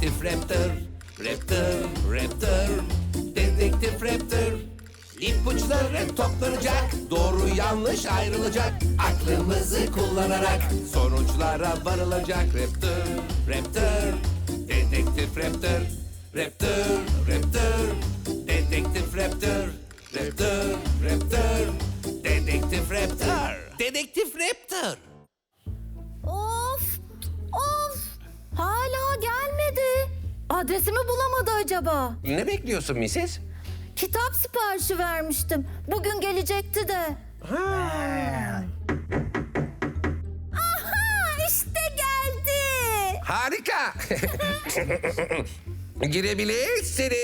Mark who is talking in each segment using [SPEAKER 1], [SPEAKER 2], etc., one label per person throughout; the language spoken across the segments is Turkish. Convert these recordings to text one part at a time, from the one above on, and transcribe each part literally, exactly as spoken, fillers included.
[SPEAKER 1] Dedektif Raptor, Raptor, Raptor, Dedektif Raptor. İpuçları toplanacak, doğru yanlış ayrılacak. Aklımızı kullanarak sonuçlara varılacak. Raptor, Raptor, Dedektif Raptor, Raptor, Raptor, Dedektif Raptor, Raptor, Raptor, Dedektif Raptor, Dedektif Raptor.
[SPEAKER 2] Of, of. Hala gelmedi. Adresimi bulamadı acaba?
[SPEAKER 1] Ne bekliyorsun missis?
[SPEAKER 2] Kitap siparişi vermiştim. Bugün gelecekti de. Aha, işte geldi.
[SPEAKER 1] Harika. Girebilirsiniz.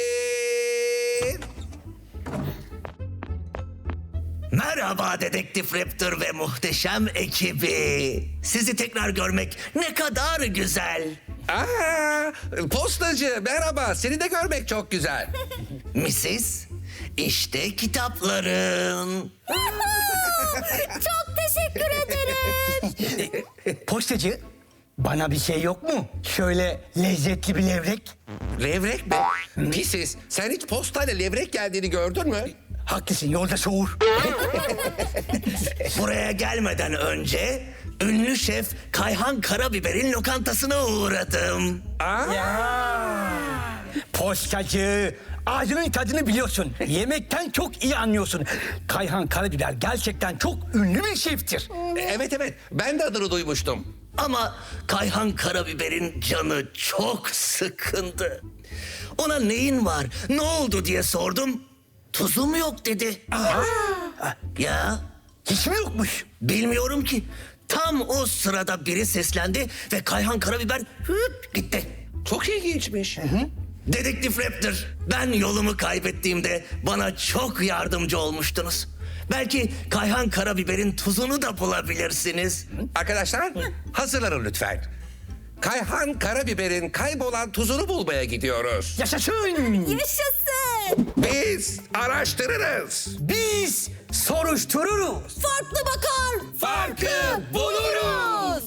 [SPEAKER 3] Merhaba Dedektif Raptor ve muhteşem ekibi. Sizi tekrar görmek ne kadar güzel.
[SPEAKER 1] Aa, postacı merhaba. Seni de görmek çok güzel.
[SPEAKER 3] missis, işte kitapların.
[SPEAKER 2] Çok teşekkür ederim.
[SPEAKER 4] Postacı, bana bir şey yok mu? Şöyle lezzetli bir levrek.
[SPEAKER 1] Levrek mi? Pisiz. Sen hiç postayla levrek geldiğini gördün mü?
[SPEAKER 4] Haklısın, yolda soğur.
[SPEAKER 3] Buraya gelmeden önce ünlü şef Kayhan Karabiber'in lokantasına uğradım.
[SPEAKER 4] Postacı, ağzının tadını biliyorsun. Yemekten çok iyi anlıyorsun. Kayhan Karabiber gerçekten çok ünlü bir şeftir.
[SPEAKER 1] Evet evet. Ben de adını duymuştum.
[SPEAKER 3] Ama Kayhan Karabiber'in canı çok sıkındı. Ona neyin var, ne oldu diye sordum. Tuzum yok dedi. Ya
[SPEAKER 4] Hiç mi yokmuş?
[SPEAKER 3] bilmiyorum ki. Tam o sırada biri seslendi ve Kayhan Karabiber hüp gitti.
[SPEAKER 1] Çok ilginçmiş.
[SPEAKER 3] Dedektif Raptor, ben yolumu kaybettiğimde bana çok yardımcı olmuştunuz. Belki Kayhan Karabiber'in tuzunu da bulabilirsiniz.
[SPEAKER 1] Arkadaşlar hazırlanın lütfen. Kayhan Karabiber'in kaybolan tuzunu bulmaya gidiyoruz.
[SPEAKER 4] Yaşasın!
[SPEAKER 2] Yaşasın.
[SPEAKER 1] Biz araştırırız.
[SPEAKER 4] Biz soruştururuz.
[SPEAKER 2] Farklı bakar.
[SPEAKER 1] Farkı buluruz.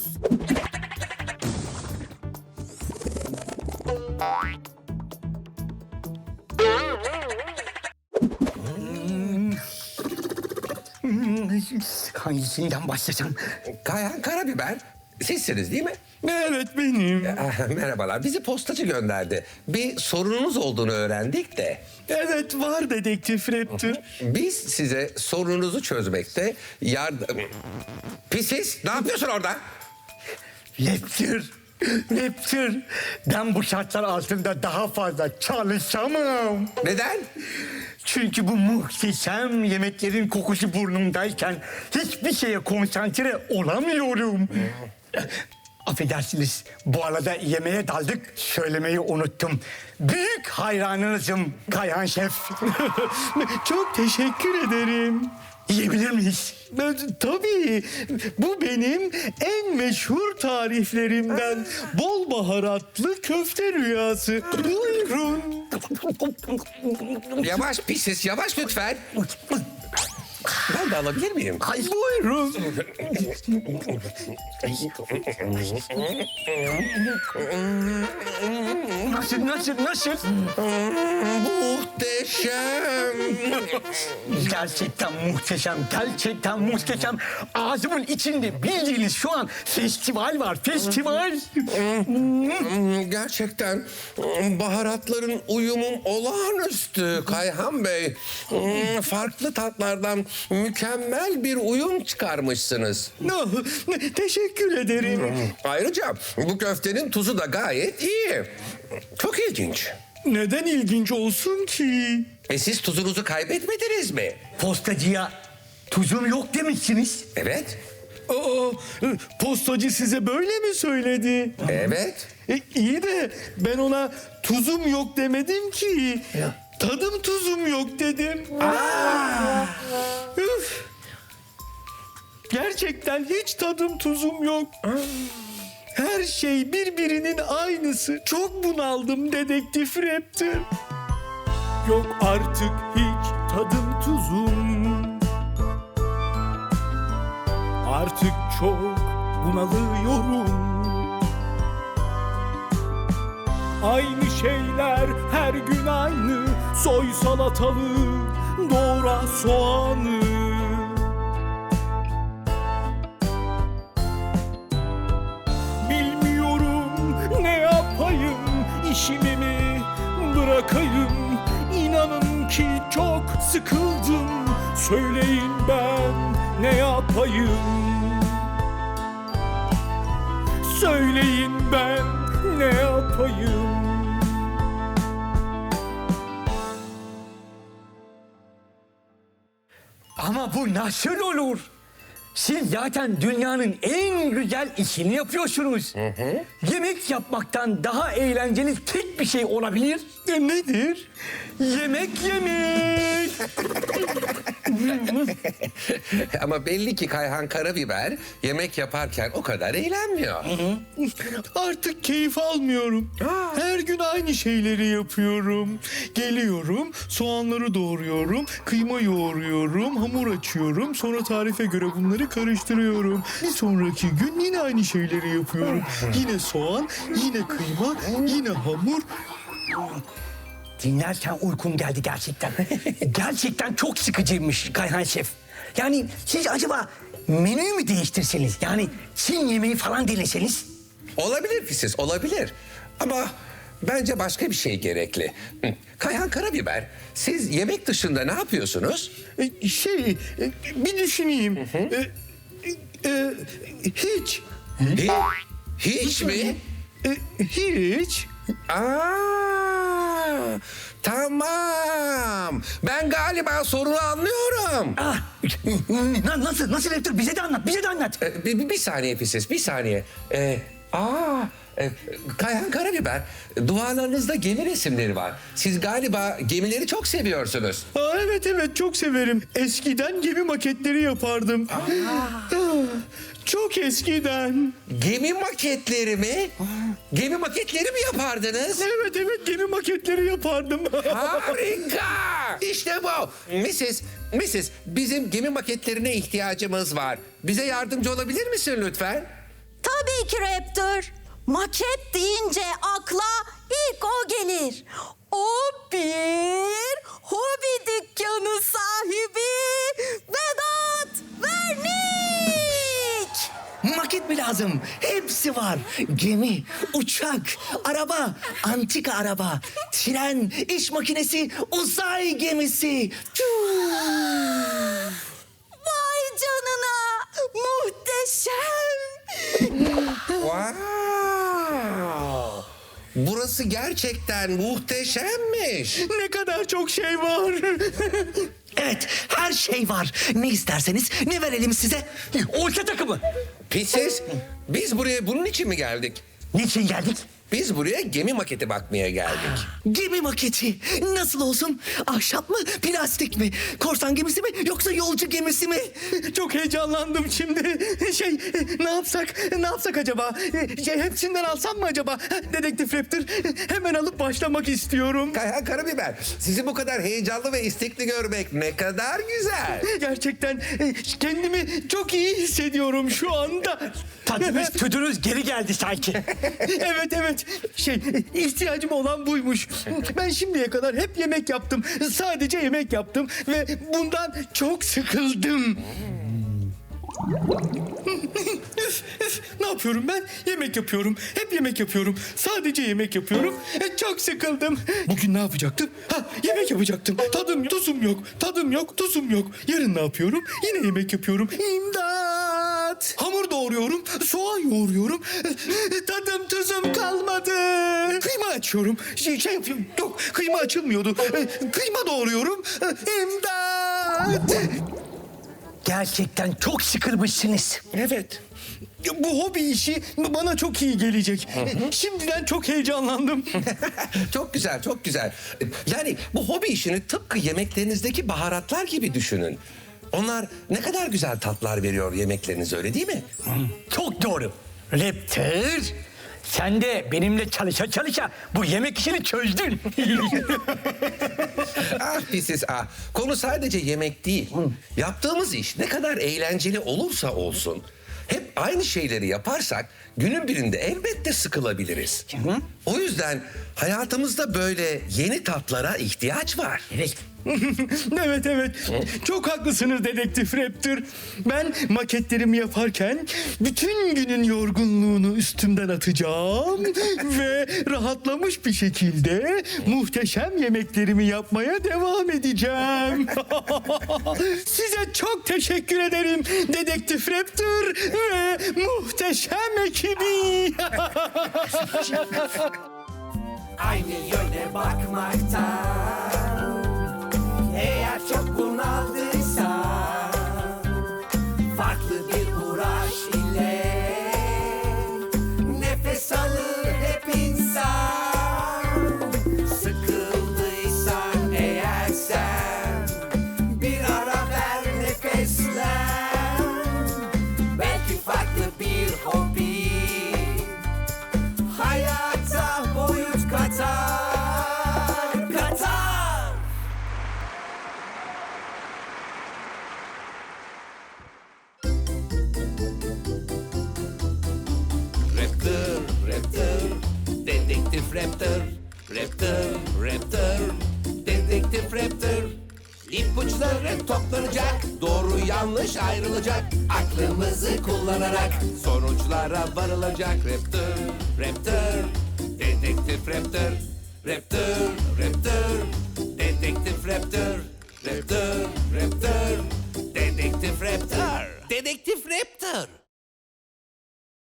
[SPEAKER 4] Hangisinden başlasam?
[SPEAKER 1] Kayhan Karabiber sizsiniz değil mi?
[SPEAKER 5] Evet benim.
[SPEAKER 1] Ah, merhabalar. Bizi postacı gönderdi. Bir sorununuz olduğunu öğrendik de.
[SPEAKER 5] Evet var Dedektif Raptor.
[SPEAKER 1] Biz size sorununuzu çözmekte yardım... Pisiz, ne yapıyorsun orada?
[SPEAKER 4] Raptor, Raptor. Ben bu şartlar altında daha fazla çalışamam.
[SPEAKER 1] Neden?
[SPEAKER 4] Çünkü bu muhteşem yemeklerin kokusu burnumdayken hiçbir şeye konsantre olamıyorum. Affedersiniz, bu arada yemeğe daldık, söylemeyi unuttum. Büyük hayranınızım Kayhan Şef.
[SPEAKER 5] Çok teşekkür ederim.
[SPEAKER 4] Yiyebilir miyiz?
[SPEAKER 5] Ben, tabii bu benim en meşhur tariflerimden. Bol baharatlı köfte rüyası. Buyurun.
[SPEAKER 1] Yavaş Pisiz, yavaş lütfen. Ben de alabilir miyim?
[SPEAKER 4] Hayır.
[SPEAKER 5] Buyurun.
[SPEAKER 4] Nasıl, nasıl, nasıl?
[SPEAKER 1] Muhteşem.
[SPEAKER 4] Gerçekten muhteşem, gerçekten muhteşem. Ağzımın içinde bildiğiniz şu an festival var, festival.
[SPEAKER 1] Gerçekten baharatların uyumu olağanüstü Kayhan Bey. Farklı tatlardan mükemmel bir uyum çıkarmışsınız.
[SPEAKER 5] No, teşekkür ederim.
[SPEAKER 1] Ayrıca bu köftenin tuzu da gayet iyi. Çok ilginç.
[SPEAKER 5] Neden ilginç olsun ki?
[SPEAKER 1] E siz tuzunuzu kaybetmediniz mi?
[SPEAKER 4] Postacıya tuzum yok demişsiniz.
[SPEAKER 1] Evet.
[SPEAKER 5] Aa, postacı size böyle mi söyledi?
[SPEAKER 1] Evet.
[SPEAKER 5] E, iyi de ben ona tuzum yok demedim ki. Tadım tuzum yok dedim. Üf. Gerçekten hiç tadım tuzum yok. Her şey birbirinin aynısı. Çok bunaldım Dedektif Raptor. Yok artık hiç tadım tuzum. Artık çok bunalıyorum.
[SPEAKER 6] Aynı şeyler her gün aynı. Soy salatalığı, doğra soğanı. Bilmiyorum ne yapayım, işimi mi bırakayım? İnanın ki çok sıkıldım. Söyleyin ben ne yapayım? Söyleyin ben ne yapayım?
[SPEAKER 4] Ama bu nasıl olur? Siz zaten dünyanın en güzel işini yapıyorsunuz. Yemek yapmaktan daha eğlenceli tek bir şey olabilir.
[SPEAKER 5] E, nedir?
[SPEAKER 4] Yemek yemek.
[SPEAKER 1] Ama belli ki Kayhan Karabiber yemek yaparken o kadar eğlenmiyor.
[SPEAKER 5] Artık keyif almıyorum. Her gün aynı şeyleri yapıyorum. Geliyorum, soğanları doğruyorum, kıyma yoğuruyorum, hamur açıyorum. Sonra tarife göre bunları karıştırıyorum. Bir sonraki gün yine aynı şeyleri yapıyorum. Yine soğan, yine kıyma, yine hamur.
[SPEAKER 4] Dinlerken uykum geldi gerçekten. Gerçekten çok sıkıcıymış Kayhan Şef. Yani siz acaba menüyü mü değiştirseniz? Yani Çin yemeği falan deneseniz?
[SPEAKER 1] Olabilir Pisiz, olabilir. Ama bence başka bir şey gerekli. Hı. Kayhan Karabiber, siz yemek dışında ne yapıyorsunuz?
[SPEAKER 5] E, Şey, e, bir düşüneyim. E, e, Hiç.
[SPEAKER 1] Hi- Hiç mi?
[SPEAKER 5] E, Hiç.
[SPEAKER 1] Aa, tamam. Ben galiba sorunu anlıyorum.
[SPEAKER 4] Ah, na- nasıl, nasıl Hector? Bize de anlat, bize de anlat.
[SPEAKER 1] Ee, Bir, bir, bir saniye Pisiz, bir saniye. Ee, aa, e, Kayhan Karabiber, duvarlarınızda gemi resimleri var. Siz galiba gemileri çok seviyorsunuz.
[SPEAKER 5] Aa, evet evet çok severim. Eskiden gemi maketleri yapardım. Ah, Çok eskiden.
[SPEAKER 1] Gemi maketleri mi? Gemi maketleri mi yapardınız?
[SPEAKER 5] Evet evet gemi maketleri yapardım.
[SPEAKER 1] Harika! İşte bu. missis missis bizim gemi maketlerine ihtiyacımız var. Bize yardımcı olabilir misin lütfen?
[SPEAKER 2] Tabii ki Raptor. Maket deyince akla ilk o gelir. O bir hobi dükkanı sahibi Vedat Vernik.
[SPEAKER 3] Maket mi lazım? Hepsi var. Gemi, uçak, araba, antika araba, tren, iş makinesi, uzay gemisi.
[SPEAKER 2] Vay canına, muhteşem.
[SPEAKER 1] Wow! Burası gerçekten muhteşemmiş.
[SPEAKER 5] Ne kadar çok şey var.
[SPEAKER 3] Evet, her şey var. Ne isterseniz, ne verelim size?
[SPEAKER 4] Orta takımı.
[SPEAKER 1] Pisiz, biz buraya bunun için mi geldik?
[SPEAKER 4] Niçin geldik?
[SPEAKER 1] Biz buraya gemi maketi bakmaya geldik.
[SPEAKER 3] Gemi maketi. Nasıl olsun? Ahşap mı, plastik mi? Korsan gemisi mi, yoksa yolcu gemisi mi?
[SPEAKER 5] Çok heyecanlandım şimdi. Şey ne yapsak ne yapsak acaba? Şey, hepsinden alsam mı acaba? Dedektif Raptor hemen alıp başlamak istiyorum.
[SPEAKER 1] Kayhan Karabiber, sizi bu kadar heyecanlı ve istekli görmek ne kadar güzel.
[SPEAKER 5] Gerçekten e, kendimi çok iyi hissediyorum şu anda.
[SPEAKER 4] Tadınız tüdünüz geri geldi sanki.
[SPEAKER 5] Evet evet. Şey ihtiyacım olan buymuş. Ben şimdiye kadar hep yemek yaptım. Sadece yemek yaptım ve bundan çok sıkıldım. Üf, üf. Ne yapıyorum ben? Yemek yapıyorum. Hep yemek yapıyorum. Sadece yemek yapıyorum. E, çok sıkıldım. Bugün ne yapacaktım? Ha, yemek yapacaktım. Tadım, tuzum yok. Tadım yok, tuzum yok. Yarın ne yapıyorum? Yine yemek yapıyorum. İmdat! Hamur doğruyorum. Soğan yoğuruyorum. E, Tadım, tuzum kalmadı. Kıyma açıyorum. Şey, şey yapıyorum. Yok, kıyma açılmıyordu. E, Kıyma doğruyorum. E, İmdat!
[SPEAKER 4] Gerçekten çok sıkılmışsınız.
[SPEAKER 5] Evet. Bu hobi işi bana çok iyi gelecek. Şimdiden çok heyecanlandım.
[SPEAKER 1] Çok güzel, çok güzel. Yani bu hobi işini tıpkı yemeklerinizdeki baharatlar gibi düşünün. Onlar ne kadar güzel tatlar veriyor yemeklerinize, öyle değil mi?
[SPEAKER 4] Çok doğru. Raptor, sen de benimle çalışa çalışa bu yemek işini çözdün.
[SPEAKER 1] Ah pisiz ah. Konu sadece yemek değil. Yaptığımız iş ne kadar eğlenceli olursa olsun hep hep aynı şeyleri yaparsak günün birinde elbette sıkılabiliriz. O yüzden hayatımızda böyle yeni tatlara ihtiyaç var.
[SPEAKER 4] Evet.
[SPEAKER 5] Evet evet. Çok haklısınız Dedektif Raptor. Ben maketlerimi yaparken bütün günün yorgunluğunu üstümden atacağım ve rahatlamış bir şekilde muhteşem yemeklerimi yapmaya devam edeceğim. Size çok teşekkür ederim Dedektif Raptor ve muhteşem ekibi.
[SPEAKER 7] Aynı yöne bakmaktan eğer çok bunaldıysan farklı bir uğraş ile nefes alır hep insan. Sıkıldıysan eğer sen bir ara ver, nefeslen. Belki farklı bir hobi hayata boyut katar, katar.
[SPEAKER 8] Raptor, Raptor, Dedektif Raptor, Raptor, Raptor, Dedektif Raptor. İpuçları toplanacak, doğru yanlış ayrılacak. Aklımızı kullanarak sonuçlara varılacak. Raptor, Raptor, Dedektif Raptor, Raptor, Raptor, Dedektif Raptor, Raptor, Raptor, Dedektif Raptor, Dedektif Raptor.